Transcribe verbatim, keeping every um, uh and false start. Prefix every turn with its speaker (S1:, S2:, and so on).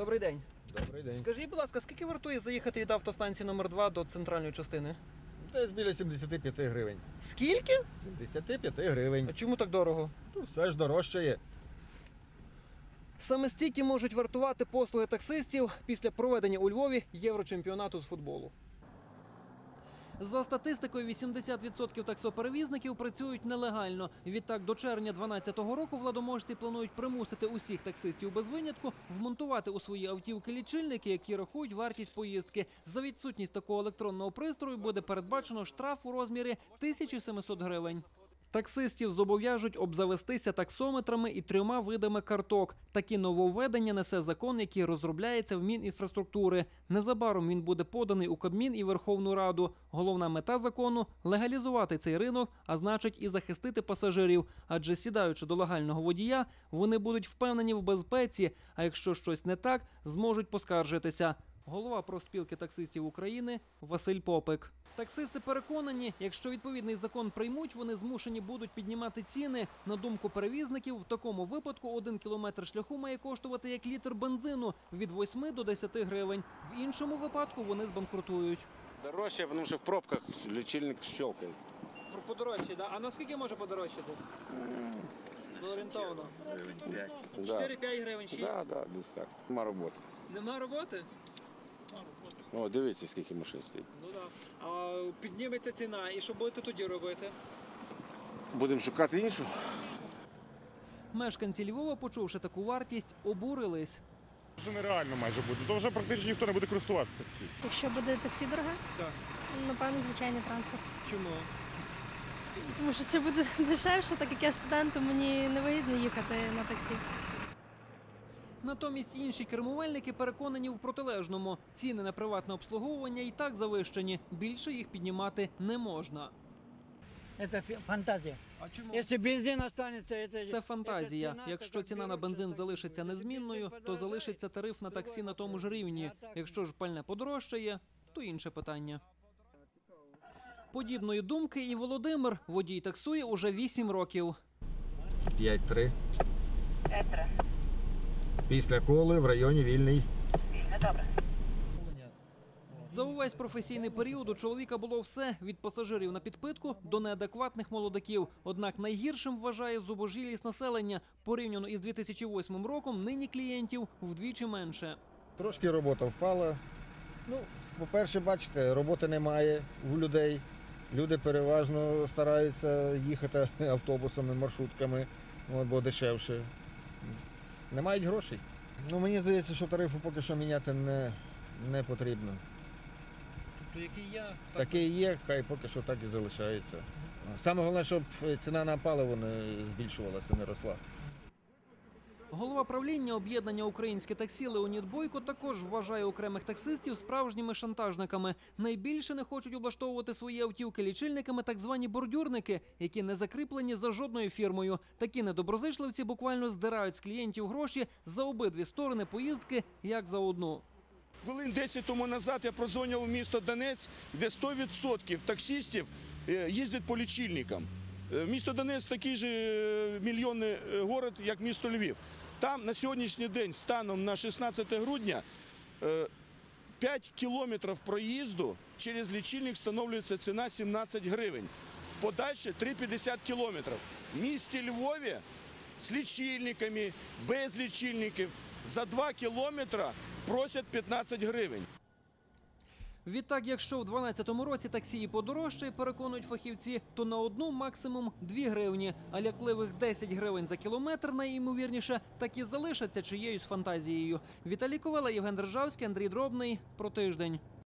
S1: Добрий день.
S2: Добрий день.
S1: Скажіть, будь ласка, скільки вартує заїхати від автостанції номер два до центральної частини?
S2: Десь біля сімдесят п'ять гривень.
S1: Скільки?
S2: сімдесят п'ять гривень.
S1: А чому так дорого?
S2: Ну, все ж дорожчає.
S1: Саме стільки можуть вартувати послуги таксистів після проведення у Львові Єврочемпіонату з футболу. За статистикою, вісімдесят відсотків таксоперевізників працюють нелегально. Відтак, до червня дві тисячі дванадцятого року владоможці планують примусити усіх таксистів без винятку вмонтувати у свої автівки лічильники, які рахують вартість поїздки. За відсутність такого електронного пристрою буде передбачено штраф у розмірі тисячі сімсот гривень. Таксистів зобов'яжуть обзавестися таксометрами і трьома видами карток. Такі нововведення несе закон, який розробляється в Мінінфраструктури. Незабаром він буде поданий у Кабмін і Верховну Раду. Головна мета закону – легалізувати цей ринок, а значить і захистити пасажирів. Адже сідаючи до легального водія, вони будуть впевнені в безпеці, а якщо щось не так, зможуть поскаржитися. Голова профспілки таксистів України Василь Попик. Таксисти переконані, якщо відповідний закон приймуть, вони змушені будуть піднімати ціни. На думку перевізників, в такому випадку один кілометр шляху має коштувати як літр бензину – від восьми до десяти гривень. В іншому випадку вони збанкрутують.
S3: Дорожче, тому що в пробках лічильник щелкає.
S1: Подорожче, да? А наскільки може подорожчати? Орієнтовно.
S3: Да.
S1: чотири-п'ять гривень, шість.
S3: Да, да, десь так. Нема роботи.
S1: Нема роботи?
S3: О, дивіться, скільки машин стоїть.
S1: Ну так. А підніметься ціна, і що будете тоді робити?
S3: Будемо шукати іншу.
S1: Мешканці Львова, почувши таку вартість, обурились.
S4: Вже нереально майже буде, то вже практично ніхто не буде користуватися таксі.
S5: Якщо буде таксі дороге,
S1: Так.
S5: напевно, звичайний транспорт.
S1: Чому?
S5: Тому що це буде дешевше, так як я студент, то мені не вигідно їхати на таксі.
S1: Натомість інші кермувальники переконані в протилежному. Ціни на приватне обслуговування і так завищені. Більше їх піднімати не можна.
S6: Это фантазия.
S1: А чому?
S6: Если бензин останется, это...
S1: Це фантазія.
S6: это ціна,
S1: Якщо
S6: така
S1: ціна на
S6: береться,
S1: бензин
S6: так
S1: залишиться
S6: і буде.
S1: незмінною,
S6: Якщо
S1: то
S6: бензин
S1: залишиться тариф на таксі на тому ж рівні. Якщо ж пальне подорожчає, то інше питання. Подібної думки і Володимир. Водій таксує уже вісім років.
S2: п'ять три. Після коли в районі Вільний.
S1: За увесь професійний період у чоловіка було все – від пасажирів на підпитку до неадекватних молодиків. Однак найгіршим вважає зубожілість населення. Порівняно із дві тисячі восьмим роком нині клієнтів вдвічі менше.
S2: Трошки робота впала. Ну, по-перше, бачите, роботи немає у людей. Люди переважно стараються їхати автобусами, маршрутками, от, бо дешевше. Не мають грошей. Ну, мені здається, що тарифу поки що міняти не, не потрібно.
S1: Тобто який я...
S2: Такий є, хай поки що так і залишається. Саме головне, щоб ціна на паливо не збільшувалася, не росла.
S1: Голова правління об'єднання «Українське таксі» Леонід Бойко також вважає окремих таксистів справжніми шантажниками. Найбільше не хочуть облаштовувати свої автівки лічильниками так звані бордюрники, які не закріплені за жодною фірмою. Такі недоброзичливці буквально здирають з клієнтів гроші за обидві сторони поїздки, як за одну.
S7: Хвилин десять тому назад я прозвонив у місто Донець, де сто відсотків таксистів їздять по лічильникам. Місто Донець такий же мільйонний город, як місто Львів. Там на сьогоднішній день, станом на шістнадцяте грудня, п'ять кілометрів проїзду через лічильник встановлюється ціна сімнадцять гривень. Подальше три п'ятдесят кілометрів. В місті Львові з лічильниками, без лічильників за два кілометри просять п'ятнадцять гривень.
S1: Відтак, якщо в дванадцятому році таксі і подорожчає, переконують фахівці, то на одну максимум дві гривні, а лякливих десять гривень за кілометр, найімовірніше, так і залишаться чиєюсь фантазією. Віталій Ковела, Євген Державський, Андрій Дробний. Про тиждень.